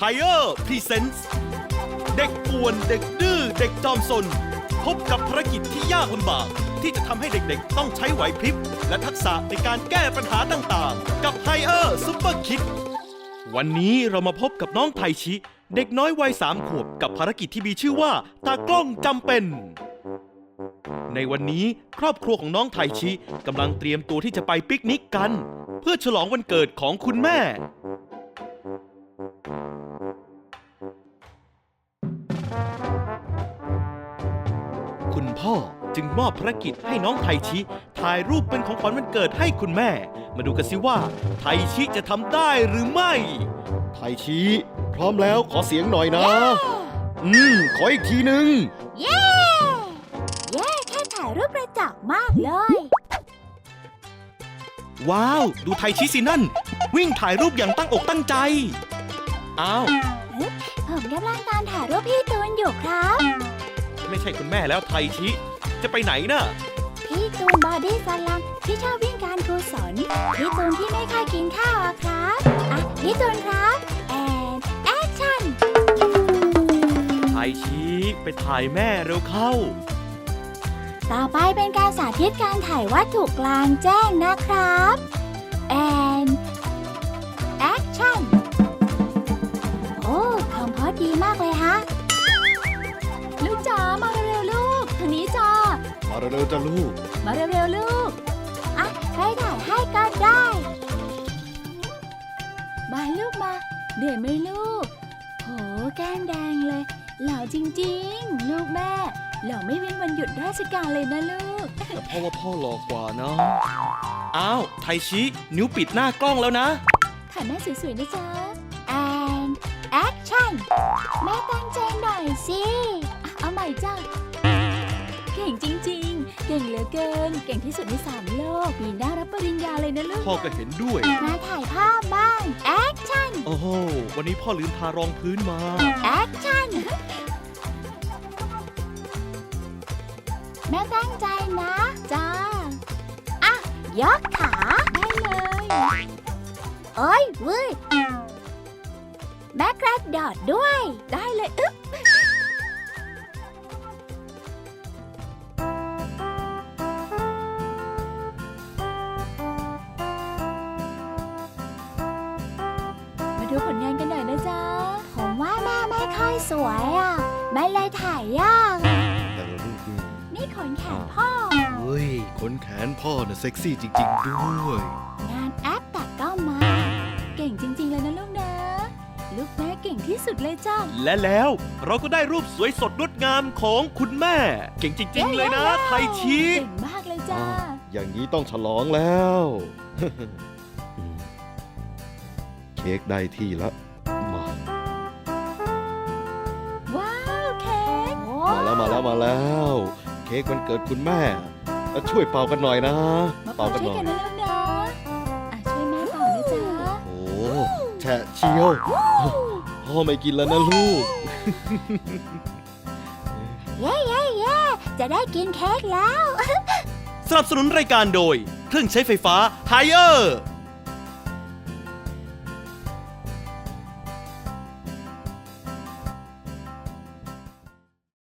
Higher Presents เด็กป่วนเด็กดื้อเด็กจอมซนพบกับภารกิจที่ยากลำบากที่จะทำให้เด็กๆต้องใช้ไหวพริบและทักษะในการแก้ปัญหาต่างๆกับ Higher Super Kid วันนี้เรามาพบกับน้องไทชิเด็กน้อยวัย3 ขวบกับภารกิจที่มีชื่อว่าตากล้องจำเป็นในวันนี้ครอบครัวของน้องไทชิกำลังเตรียมตัวที่จะไปปิกนิกกันเพื่อฉลองวันเกิดของคุณแม่คุณพ่อจึงมอบภารกิจให้น้องไทชิถ่ายรูปเป็นของขวัญวันเกิดให้คุณแม่มาดูกันสิว่าไทชิจะทำได้หรือไม่ไทชิพร้อมแล้วขอเสียงหน่อยนะขออีกทีหนึ่งเย้แค่ถ่ายรูปกระจอกมากเลยว้าวดูไทชิสินั่นวิ่งถ่ายรูปอย่างตั้งอกตั้งใจอ้าวผมกำลังตามถ่ายรูปพี่ตูนอยู่ครับไม่ใช่คุณแม่แล้วไทชิจะไปไหนน่ะพี่ตูนบอดี้สลัมที่ชอบวิ่งการกุศลพี่ตูนที่ไม่ค่อยกินข้าวอะครับพี่ตูนครับแอคชั่นไทชิไปถ่ายแม่เร็วเข้าต่อไปเป็นการสาธิตการถ่ายวัตถุกลางแจ้งนะครับแอคชั่นโอ้คอมโพสดีมากเลยฮะลูกจ๋ามาเร็วๆลูกทางนี้จ้ามาเร็วๆจ้าลูกมาเร็วๆลูกใครถ่ายให้ก็ได้มาลูกมาเหนื่อยไหมลูกโหแก้มแดงเลยหล่อจริงๆลูกแม่หล่อไม่เว้นวันหยุดราชการเลยนะลูกแต่พ่อว่าพ่อหล่อกว่านะอ้าวไทชินิ้วปิดหน้ากล้องแล้วนะถ่ายแม่สวยๆนะจ๊ะaction แม่ตั้งใจหน่อยสิเอาใหม่จ้ะเก่งจริงๆเก่งเหลือเกินเก่งที่สุดใน3 โลกปีหน้ารับปริญญาเลยนะลูกพ่อก็เห็นด้วยมาถ่ายภาพบ้าง action โอ้โหวันนี้พ่อลืมทารองพื้นมา action แม่ตั้งใจนะจ้ายกขาได้เลยโอ้ยเว้ยแม่กระโดดด้วยได้เลยอึ๊บมาดูผลงานกันหน่อยนะจ๊ะผมว่าแม่ไม่ค่อยสวยแม่เลยถ่ายยากแต่ละรูปนี่ขนแขนพ่อเฮ้ยขนแขนพ่อน่ะเซ็กซี่จริงๆด้วยงานแอปตัดก็มาเก่งจริงๆเลยนะลูกนะลูกแม่เก่งที่สุดเลยจ้าและแล้วเราก็ได้รูปสวยสดงดงามของคุณแม่เก่งจริงๆเลยนะไทชิเก่งมากเลยจ้าอย่างนี้ต้องฉลองแล้วเค้กได้ที่แล้วมาว้าวเค้กมาแล้วเค้กวันเกิดคุณแม่ช่วยเป่ากันหน่อยนะเป่ากันหน่อยช่วยแม่เป่านะจ๊ะโอ้แฉะเชียวพ่อไม่กินแล้วนะลูกเย้จะได้กินเค้กแล้วสนับสนุนรายการโดยเครื่องใช้ไฟฟ้า Higher